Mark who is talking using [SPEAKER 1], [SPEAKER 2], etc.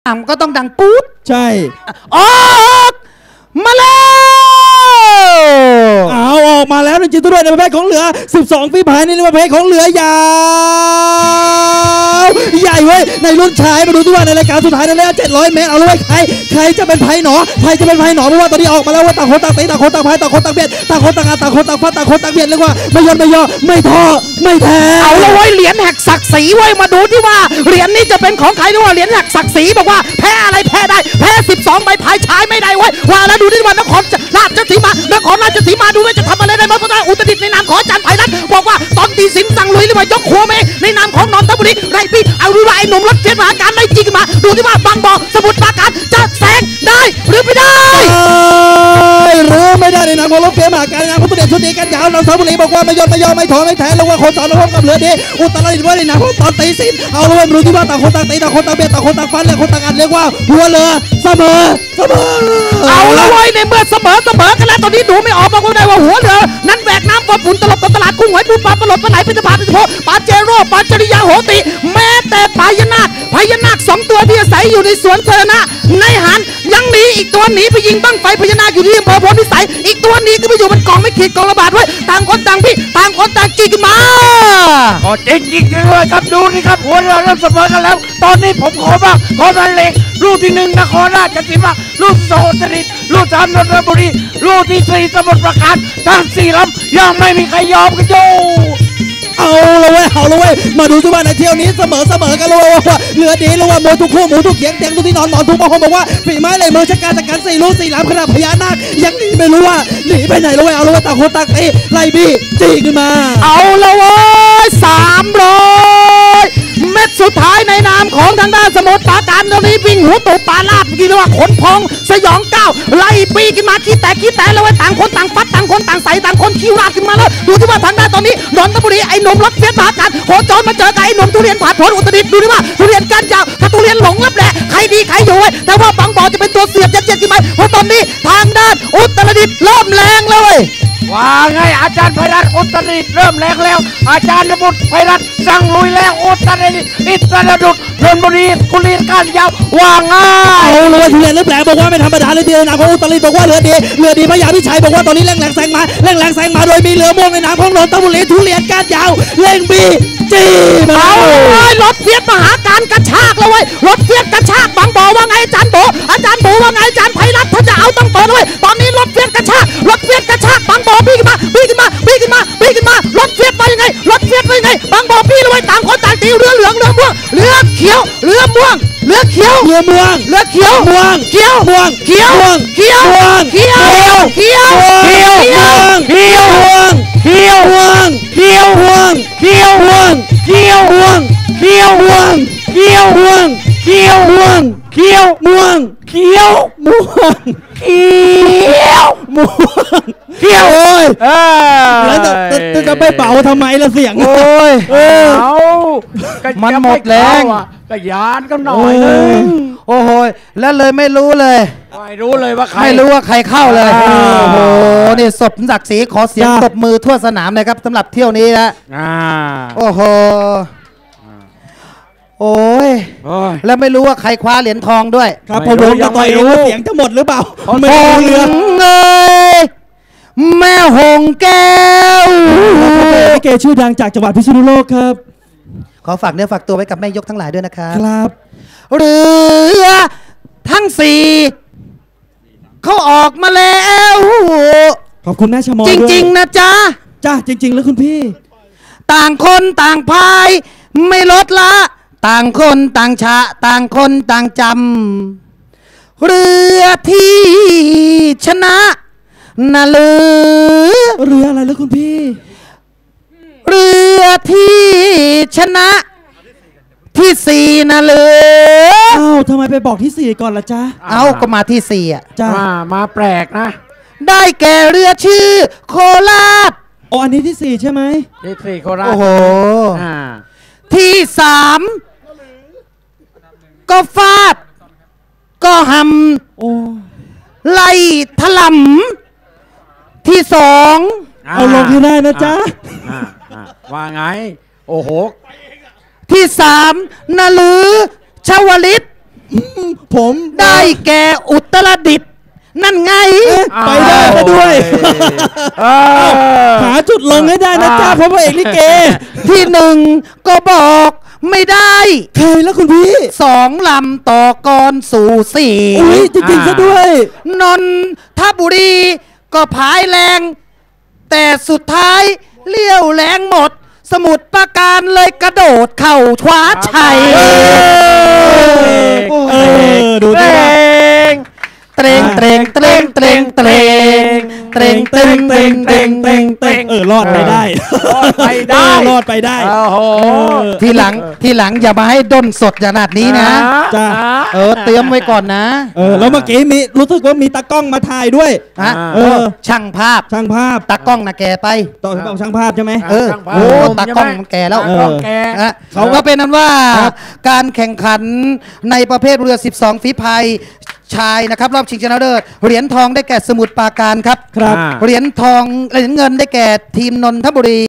[SPEAKER 1] ก็ต้องดังปุ๊ด
[SPEAKER 2] ใช่
[SPEAKER 1] ออกมาแล้ว
[SPEAKER 2] ออกมาแล้วจริงๆด้วยในประเภทของเหลือ12ฝีพายในประเภทของเหลือยาวใหญ่เว้ยในรุ่นชายมาดูด้วยในรายการสุดท้ายในระยะ700 เมตรเอาเลยใครจะเป็นไผ่หนอใครจะเป็นไผ่หนอเพราะว่าตอนนี้ออกมาแล้วว่าต่างคนต่างตีต่างคนต่างพายต่างคนต่างเบียดต่างคนต่างต่างคนต่างฟัดต่างคนต่างเบียดเรียกว่าไม่ยอมไม่ย่อไม่ท้อไม่แท้
[SPEAKER 1] เอาละเว้ยเหรียญแหกศักดิ์ศรีเว้ยมาดูที่ว่าเหรียญนี้จะเป็นของใครด้วยว่าเหรียญแหกศักดิ์ศรีบอกว่าแพ้อะไรแพ้ได้แพ้12ใบพายชายไม่ได้เว้ยว่าแล้วดูที่ว่านครราชสีมดูว่าจะทำอะไรได้บ้างเพราะว่าอุตรดิตถ์ในนามของอาจารย์ไพรัตน์บอกว่าตอนตีสินสั่งลุยหรือว่ายกหัวเมฆในนามของนนทบุรีไรพี่เอาดูว่าไอ้หนุ่มรถเทียนมหาการไล่จีกันมาดูที่ว่าบางบ่อสมุทรปราการจะแซงได้หรือไม่ได้
[SPEAKER 2] หรือไม่ได้ในนามของรถเทียนมหาการในนามของตัวเด่นชุดนี้กันยาวนนทบุรีบอกว่าไม่ยอมไม่ถอยไม่แท้ลงว่าคนสอนระบบกับเหลือดีอุตรดิตถ์ว่าในนามของตอนตีสินเอาเลยมาดูที่ว่าต่างคนต่างตีต่างคนต่างเบียดต่างคนต่างฟันเลยคนต่างอัดเรียกว่าหัวเรือเสมอ
[SPEAKER 1] เอาละเว้ยในเมื่อเสมอกันแล้วตอนนี้ดูไม่ออกบอกว่าได้ว่าหัวเรือนั้นแบกน้ำปนฝุ่นตลบตลาดกุ้งหอยปูปลาปลดปลาไหลเป็นปลาเป็นโพปลาเจโร่ปลาจริยาโหติแม้แต่พญานาค2 ตัวที่อาศัยอยู่ในสวนเธอนะในหันยังหนีอีกตัวหนีไปยิงบั้งไฟพญานาคอยู่ที่อำเภอโพธิสัยอีกตัวหนีก็ไปอยู่บนกองไม่ขีดกองระบาดไว้ต่างคนต่างพี่ต่างคนต่างจีกันมา
[SPEAKER 3] ก็จริงเลยครับดูนี่ครับหัวเราเริ่มเสมอกันแล้วตอนนี้ผมขอบ้างขอบันเลงลูกที่1นครราชสีมาลูก2อุตรดิตถ์ลูก3นนทบุรีลูกที่4สมุทรปราการทั้ง4ลำยังไม่มีใครยอมกันอยู่
[SPEAKER 2] เอาละเว้ยมาดูสิว่าในเที่ยวนี้เสมอกันเลยว่าเหลือดีเลยว่าหมูทุกคู่หมูทุกเขียงเตียงทุกที่นอนหมอนทุกบางคนบอกว่าฝีไม้ลายมือชักการจัดการ4 ลูก4 ลำขนาดพญานาคยังหนีไม่รู้ว่าหนีไปไหนเลยเอาละเว้ยต่างคนต่างตีไล่บี้จี้ขึ้นมา
[SPEAKER 1] เอาละเว้ย300 เม็ดสุดท้ายในนามของทางด้านสมุทรปราการตอนนี้วิ่งหัวตูปลาลาบกินว่าขนพองสยองก้าวไล่ปีขึ้นมาขี้แตกแล้วไว้ต่างคนต่างฟัดต่างคนต่างใส่ต่างคนขี้ราดขึ้นมาแล้วดูที่ว่าทางด้านตอนนี้นนทบุรีไอ้หนุ่มรถเฟียสมหาการโคจรมาเจอกับไอ้หนุ่มทุเรียนผ่านผลอุตรดิตถ์ดูที่ว่าทุเรียนก้านยาวถ้าทุเรียนหลงลับแหละใครดีใครอยู่แต่ว่าบางบ่อจะเป็นตัวเสียบยัดขึ้นมาเพราะตอนนี้ทางด้านอุตรดิตถ์เริ่มแรงเลย
[SPEAKER 3] ว่าไงอาจารย์ไพรัตน์อุตรดิตถ์เริ่มแรงแล้วอาจารย์นบุตรไพรัตน์สั่งลุยแล้วอุตรดิตถ์นนทบุรีกุลีก้านยาวว่าง่าย
[SPEAKER 2] เอาเลยทุเรียนเริ่มแรงบอกว่าไม่ธรรมดาเลยทีเดียวนะของอุตรดิตถ์บอกว่าเหลือดีพญาพิชัยบอกว่าตอนนี้แรงแซงมาโดยมีเหลือม่วงในนามของนนทบุรีทุเรียนก้านยาวเร่งบีจี้
[SPEAKER 1] เอาเลยรถเฟียสมหาการกระชากเลยรถเฟียสกระชากบางบ่อว่าไงอาจารย์โบว่าไงอาจารย์ไพรัตน์ถ้าจะเอาต้องเปิดเลยตอนนี้รถเฟียสกระชากบางบ่อพี่ขึ้นมารถเฟียสไปยังไงบางบ่อพี่เลยต่างคนต่างตีเรือเหลืองเรือม่วงเรือเขียวเรือม่วงเรือเขียว
[SPEAKER 2] ม่วง
[SPEAKER 1] ม่วง
[SPEAKER 2] ม่วง
[SPEAKER 1] เขียวม่วงเขียวม่วงเขียวม่วงเขียวเขียวม่วงเขียวม่วง
[SPEAKER 2] เขียวม่วงเขียวม่วงเขียวม่วงเขียวม่วงเขียวม่วงเขียวม่วงเขียวม่วงเขียวม่วงเขียวม่วงเขียวม่วงเขียวโอ้ยแล้วจะไปเป่าทำไมล่ะเสียง
[SPEAKER 3] โอ้ย
[SPEAKER 1] มันหมดแรง
[SPEAKER 3] กระยานก็หน่อยนึง
[SPEAKER 1] โอ้โหแล้วเลยไม่รู้เลย
[SPEAKER 3] ว่าใคร
[SPEAKER 1] ไม่รู้ว่าใครเข้าเลยโอ้โหนี่สมศักดิ์ศรีขอเสียงตบมือทั่วสนามเลยครับสำหรับเที่ยวนี้นะโอ้โหโอ้ยแล้วไม่รู้ว่าใครคว้าเหรียญทองด้วย
[SPEAKER 2] ครับผมยังไม่รู้เสียงจะหมดหรือเปล่า
[SPEAKER 1] ไม่รู้เรื่องเลยแม่หงแก้ว
[SPEAKER 2] เกชื่อดังจากจังหวัดพิษณุโลกครับ
[SPEAKER 1] ขอฝากเนื้อฝากตัวไว้กับแม่ยกทั้งหลายด้วยนะครับ
[SPEAKER 2] ครับ
[SPEAKER 1] เรือทั้ง4เขาออกมาแล้ว
[SPEAKER 2] ขอบคุณแม่ชมอ
[SPEAKER 1] จริงๆนะจ๊ะ
[SPEAKER 2] จริงๆแล้วคุณพี่
[SPEAKER 1] ต่างคนต่างพายไม่ลดละต่างคนต่างชะต่างคนต่างจำเรือที่ชนะน่ะเ
[SPEAKER 2] รืออะไรแล้วคุณพี่
[SPEAKER 1] เรือที่ชนะที่4น่ะ
[SPEAKER 2] ทำไมไปบอกที่4ก่อนล่ะจ๊ะ
[SPEAKER 1] ก็มาที่4อ่ะ
[SPEAKER 2] จ้า
[SPEAKER 3] มาแปลกนะ
[SPEAKER 1] ได้แก่เรือชื่อโคราช
[SPEAKER 2] อันนี้ที่4ใช่ไหม
[SPEAKER 3] ที่4โคราช
[SPEAKER 1] โอ้โหที่3ก็ฟาดก็หำไล่ถล่ำที่2
[SPEAKER 2] เอาลงให้ได้นะจ๊ะ
[SPEAKER 3] ว่าไงโอ้โห
[SPEAKER 1] ที่3นลือชวลิต
[SPEAKER 2] ผม
[SPEAKER 1] ได้แก่อุตรดิตถ์นั่นไง
[SPEAKER 2] ไปได้ซะด้วย หาจุดลงให้ได้นะจ้าเพราะพระเอกลิเก
[SPEAKER 1] ที่หนึ่งก็บอกไม่ได้
[SPEAKER 2] ใครแล้วคุณพี่
[SPEAKER 1] สองลำต่อกรสู่สี่
[SPEAKER 2] อุ้ยจริงๆซะด้วย
[SPEAKER 1] นนทบุรีก็พายแรง แต่สุดท้ายเลี้ยวแรงหมด สมุทรปราการเลยกระโดดเข่าคว้าชัย
[SPEAKER 2] ดูดิว่า
[SPEAKER 1] เตรงเตรงเตรงเตรงเตรงเตรงเตรงเตรงเตรงเตรงเตรง
[SPEAKER 2] รอดไปได้
[SPEAKER 3] รอดไปได้
[SPEAKER 2] รอดไปได้
[SPEAKER 3] โอ้โห
[SPEAKER 1] ทีหลังอย่ามาให้ด้นสดขนาดนี้นะ
[SPEAKER 2] จ้า
[SPEAKER 1] เตรียมไว้ก่อนนะ
[SPEAKER 2] แล้วเมื่อกี้มีรู้สึกว่ามีตากล้องมาถ่ายด้วย
[SPEAKER 1] ฮะ ช่างภาพ
[SPEAKER 2] ช่างภาพ
[SPEAKER 1] ตากล้องนะแกไป
[SPEAKER 2] ต่อให้บอกช่างภาพใช่ไหม
[SPEAKER 1] ตากล้องมันแกแล้ว
[SPEAKER 3] ตากล้องแก
[SPEAKER 1] เขาก็เป็นนั้นว่าการแข่งขันในประเภทเรือ 12 ฝีพายชายนะครับรอบชิงชนะเลิศเหรียญทองได้แก่สมุทรปราการครับ
[SPEAKER 2] ครับ
[SPEAKER 1] เหรียญทองเหรียญเงินได้แก่ทีมนนทบุรี